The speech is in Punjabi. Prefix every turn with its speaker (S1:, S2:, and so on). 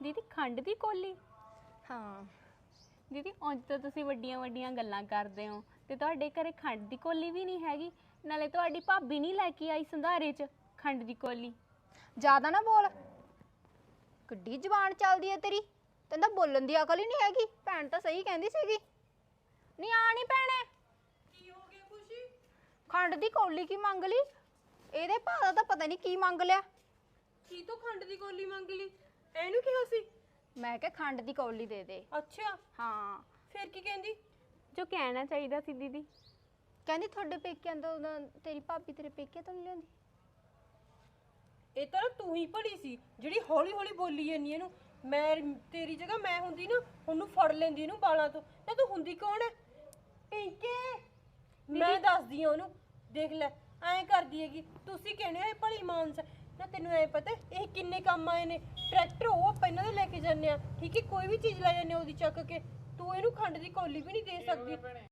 S1: ਦੀਦੀ ਖੰਡ ਦੀ ਕੋਲੀ?
S2: ਹਾਂ
S1: ਦੀਦੀ ਉਂਝ ਤਾਂ ਤੁਸੀਂ ਵੱਡੀਆਂ ਵੱਡੀਆਂ ਗੱਲਾਂ ਕਰਦੇ ਹੋ ਤੇ ਤੁਹਾਡੇ ਘਰੇ ਖੰਡ ਦੀ ਕੋਲੀ ਵੀ ਨਹੀਂ ਹੈਗੀ, ਨਾਲੇ ਤੁਹਾਡੀ ਭਾਬੀ ਨਹੀਂ ਲੈ ਕੇ ਆਈ ਸੰਧਾਰੇ 'ਚ ਖੰਡ ਦੀ ਕੋਲੀ।
S2: ਜ਼ਿਆਦਾ ਨਾ ਬੋਲ, ਕਿੱਡੀ ਜ਼ਬਾਨ ਚੱਲਦੀ ਹੈ ਤੇਰੀ, ਤੈਨੂੰ ਤਾਂ ਬੋਲਣ ਦੀ ਅਕਲ ਹੀ ਨਹੀਂ ਹੈਗੀ। ਭੈਣ ਤਾਂ ਸਹੀ ਕਹਿੰਦੀ ਸੀਗੀ। ਨਹੀਂ ਆ ਨਹੀਂ ਭੈਣੇ,
S3: ਕੀ ਹੋ ਗਿਆ ਖੁਸ਼ੀ?
S2: ਖੰਡ ਦੀ ਕੌਲੀ ਕੀ ਮੰਗ ਲਈ? ਇਹਦੇ ਭਾਅ ਦਾ ਤਾਂ ਪਤਾ ਨਹੀਂ ਕੀ ਮੰਗ ਲਿਆ।
S3: ਕੀ ਤੋਂ ਖੰਡ ਦੀ ਕੋਲੀ ਮੰਗ ਲਈ? ਇਹਨੂੰ ਕਿਹਾ ਸੀ?
S2: ਮੈਂ ਕਿਹਾ ਖੰਡ ਦੀ ਕੌਲੀ ਦੇ ਦੇ।
S3: ਅੱਛਾ,
S2: ਹਾਂ
S3: ਫਿਰ ਕੀ ਕਹਿੰਦੀ?
S1: ਜੋ ਕਹਿਣਾ ਚਾਹੀਦਾ ਸੀ ਦੀਦੀ।
S2: ਕਹਿੰਦੀ ਤੁਹਾਡੇ ਪੇਕਿਆਂ ਤੋਂ ਤੇਰੀ ਭਾਬੀ ਤੇਰੇ ਪੇਕਿਆਂ ਤੋਂ ਨਹੀਂ ਲਿਆਂਦੀ।
S3: ਇਹ ਤਾਂ ਤੂੰ ਹੀ ਭਲੀ ਸੀ ਜਿਹੜੀ ਹੌਲੀ ਹੌਲੀ ਬੋਲੀ ਜਾਂਦੀ ਇਹਨੂੰ। ਮੈਂ ਤੇਰੀ ਜਗ੍ਹਾ ਮੈਂ ਹੁੰਦੀ ਨਾ, ਉਹਨੂੰ ਫੜ ਲੈਂਦੀ ਇਹਨੂੰ ਬਾਲਾਂ ਤੋਂ। ਨਾ ਤੂੰ ਹੁੰਦੀ ਕੌਣ ਹੈ? ਪਿੰਕੇ, ਮੈਂ ਦੱਸਦੀ ਆ ਉਹਨੂੰ। ਦੇਖ ਲੈ ਐਂ ਕਰਦੀ ਹੈਗੀ। ਤੁਸੀਂ ਕਹਿੰਦੇ ਹੋ ਇਹ ਭਲੀ ਮਾਨਸ। ਨਾ ਤੈਨੂੰ ਐ ਪਤਾ ਇਹ ਕਿੰਨੇ ਕੰਮ ਆਏ ਨੇ? ਟਰੈਕਟਰ ਉਹ ਆਪਾਂ ਇਹਨਾਂ ਦੇ ਲੈ ਕੇ ਜਾਂਦੇ ਆ, ਠੀਕ ਹੈ? ਕੋਈ ਵੀ ਚੀਜ਼ ਲੈ ਜਾਂਦੇ ਉਹਦੀ ਚੱਕ ਕੇ। ਤੂੰ ਇਹਨੂੰ ਖੰਡ ਦੀ ਕੌਲੀ ਵੀ ਨਹੀਂ ਦੇ ਸਕਦੀ।